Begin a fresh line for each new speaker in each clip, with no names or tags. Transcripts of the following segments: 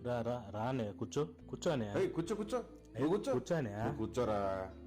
రా రా రానే కూర్చో కూర్చోనే
కూర్చో కూర్చో నువ్వు కూర్చో
కూర్చోనే
నువ్వు కూర్చోరా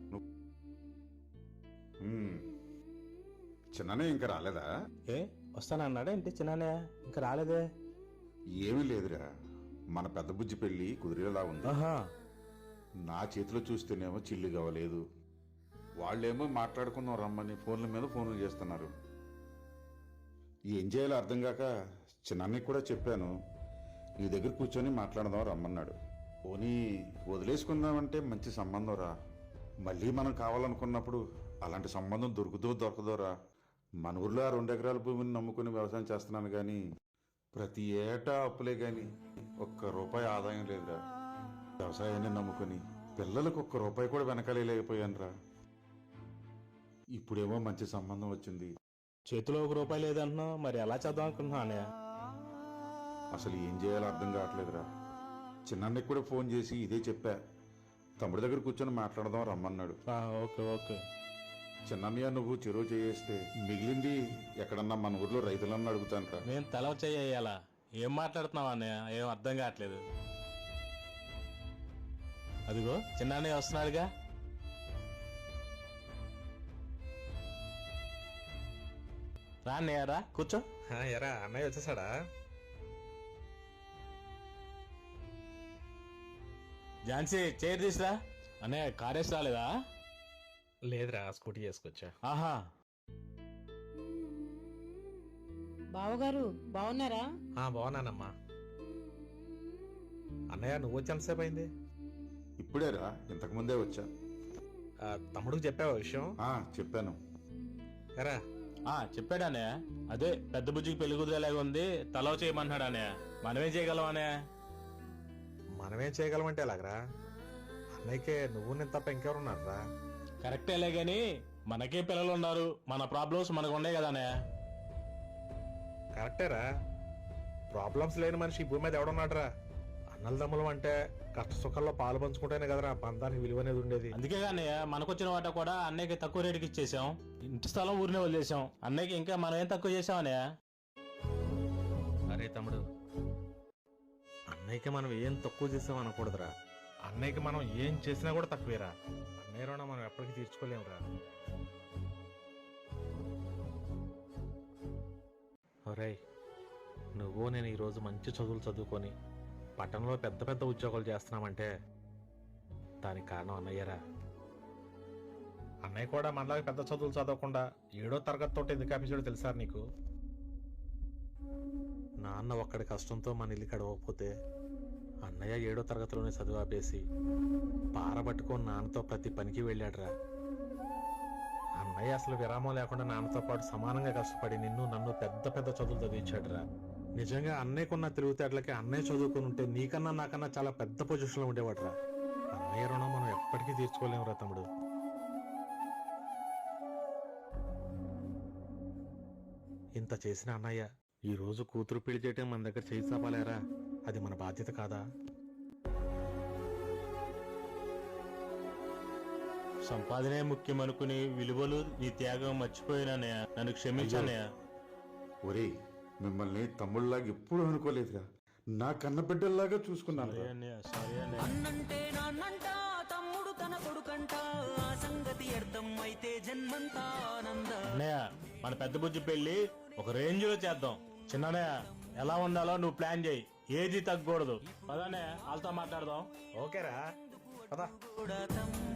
చిన్ననే ఇంకా రాలేదా?
ఏ వస్తానన్నాడా ఏంటి చిన్ననే ఇంకా రాలేదే?
ఏమీ లేదురా, మన పెద్ద బుజ్జి పెళ్లి కుదిరేలా ఉంది.
ఆహా
నా చేతిలో చూస్తేనేమో చిల్లు కావలేదు, వాళ్ళేమో మాట్లాడుకుందాం రమ్మని ఫోన్ల మీద ఫోన్లు చేస్తున్నారు. ఏం చేయాలో అర్థం కాక చిన్నన్నకి కూడా చెప్పాను, నీ దగ్గర కూర్చొని మాట్లాడదాం రమ్మన్నాడు. పోనీ వదిలేసుకుందామంటే మంచి సంబంధం రా, మళ్ళీ మనం కావాలనుకున్నప్పుడు అలాంటి సంబంధం దొరకదోరా. మన ఊర్లో 2 ఎకరాల భూమిని నమ్ముకుని వ్యవసాయం చేస్తున్నాను కానీ ప్రతి ఏటా అప్పులే కానీ ₹1 ఆదాయం లేదురా. వ్యవసాయాన్ని నమ్ముకుని పిల్లలకు ₹1 కూడా వెనకాలేకపోయాను రా. ఇప్పుడేమో మంచి సంబంధం వచ్చింది,
చేతిలో ₹1 లేదంటున్నావు, మరి ఎలా చేద్దాం అనుకుంటున్నానే?
అసలు ఏం చేయాలో అర్థం కావట్లేదురా. చిన్నన్నకి కూడా ఫోన్ చేసి ఇదే చెప్పా, తమ్ముడి దగ్గర కూర్చొని మాట్లాడదాం రమ్మన్నాడు.
Okay okay.
చిన్నన్నయ్య నువ్వు చెరువు చేస్తే మిగిలింది ఎక్కడన్నా మన ఊర్లో రైతులన్నా అడుగుతాను రా.
నేను తల చేయాలా? ఏం మాట్లాడుతున్నావు అన్నయ్య? ఏం అర్థం కావట్లేదు. అదిగో చిన్నన్నయ్య వస్తున్నాడుగా. రా అన్నయ్య రా కూర్చో.
ఎరా అన్నయ్య వచ్చేసాడా?
ఝాన్సీ చైర్ తీసురా. అన్నయ్య కారేసి రాలేదా?
లేదురా, స్కూటీ చేసుకొచ్చా.
ఆహా
బావగారు బాగున్నారా?
బాగున్నానమ్మా. అన్నయ్య నువ్వు వచ్చి ఎంతసేపు అయింది?
ఇప్పుడేరా, ఇంతకు ముందే వచ్చా.
తమ్ముడికి చెప్పావా విషయం?
చెప్పాను.
ఎరా
చెప్పాడు అన్నయ్య. అదే పెద్ద బుజ్జికి పెళ్లి కుదిరేలాగా ఉంది, తలవ చేయమన్నాడు అన్నయ్య. మనమేం చేయగలం అన్నయ్య?
మనమేం చేయగలమంటే ఎలాగరా? అన్నయ్యకే నువ్వు నేను తప్ప ఇంకెవరున్నారా?
కరెక్టేలే గాని మనకే పిల్లలు ఉన్నారు, మన ప్రాబ్లమ్స్ మనకు ఉన్నాయి కదా అన్నయ్య.
కరెక్టేరా, ప్రాబ్లమ్స్ లేని మనిషి ఈ భూమి మీద ఎవడున్నాడురా? అన్నలదమ్ములం అంటే కష్ట సుఖాల్లో పాలు పంచుకుంటేనే కదరా బంధానికి విలువ అనేది ఉండేది.
అందుకే అన్నయ్య మనకొచ్చిన వాట కూడా అన్నయ్యకి తక్కువ రేటుకి ఇచ్చేసాం, ఇంటి స్థలం ఊరినే వదిలేసాం. అన్నయ్యకి ఇంకా మనం ఏం తక్కువ చేసాం అన్నయ్య?
అరే తమ్ముడు, అన్నయ్యకి మనం ఏం తక్కువ చేసాం అనకూడదురా. అన్నయ్యకి మనం ఏం చేసినా కూడా తక్కువేరా. అన్నయ్య రుణం మనం ఎప్పటికీ తీర్చుకోలేమురా. ఒరేయ్, నువ్వు నేను ఈరోజు మంచి చదువులు చదువుకొని పట్టణంలో పెద్ద పెద్ద ఉద్యోగాలు చేస్తున్నామంటే దానికి కారణం అన్నయ్యరా. అన్నయ్య కూడా మనలాగా పెద్ద చదువులు చదవకుండా 7వ తరగతి తోటి ఎందుకు ఆపేసాడో తెలుసా నీకు? నాన్న ఒక్కడి కష్టంతో మన ఇల్లు గడవకపోతే అన్నయ్య 7వ తరగతిలోనే చదువు ఆపేసి పారబట్టుకొని నాన్నతో ప్రతి పనికి వెళ్ళాడురా. అన్నయ్య అసలు విరామం లేకుండా నాన్నతో పాటు సమానంగా కష్టపడి నిన్ను నన్ను పెద్ద పెద్ద చదువులు చదివించాడురా. నిజంగా అన్నయ్యకున్న తిరుగుతేటలకి అన్నయ్య చదువుకుని ఉంటే నీకన్నా నాకన్నా చాలా పెద్ద పొజిషన్లో ఉండేవాడురా. అన్నయ్య రుణం మనం ఎప్పటికీ తీర్చుకోలేమురా తమ్ముడు. ఇంత చేసిన అన్నయ్య ఈ రోజు కూతురు పెళ్లి చేయటం మన దగ్గర చేయి చాపాలేరా? అది మన బాధ్యత కాదా?
సంపాదనే ముఖ్యం అనుకుని విలువలు నీ త్యాగం మర్చిపోయినానయ్య, నన్ను క్షమించానయ్య.
ఒరేయ్, మిమ్మల్ని తమ్ముళ్ళలాగా ఎప్పుడు అనుకోలేదురా, నా కన్న బిడ్డల్లాగా చూసుకున్నాను.
అన్నంటే నాన్నంట, తమ్ముడు తన కొడుకంట, ఆ సంగతి అర్థం అయితే జన్మంతా ఆనంద.
అన్నయ్య మన పెద్ద బుజ్జి పెళ్లి ఒక రేంజ్ లో చేద్దాం. చిన్నయ్య ఎలా ఉండాలో నువ్వు ప్లాన్ చేయి, ఏది తగ్గకూడదు. పదనే వాళ్ళతో మాట్లాడదాం.
ఓకేరా, పద.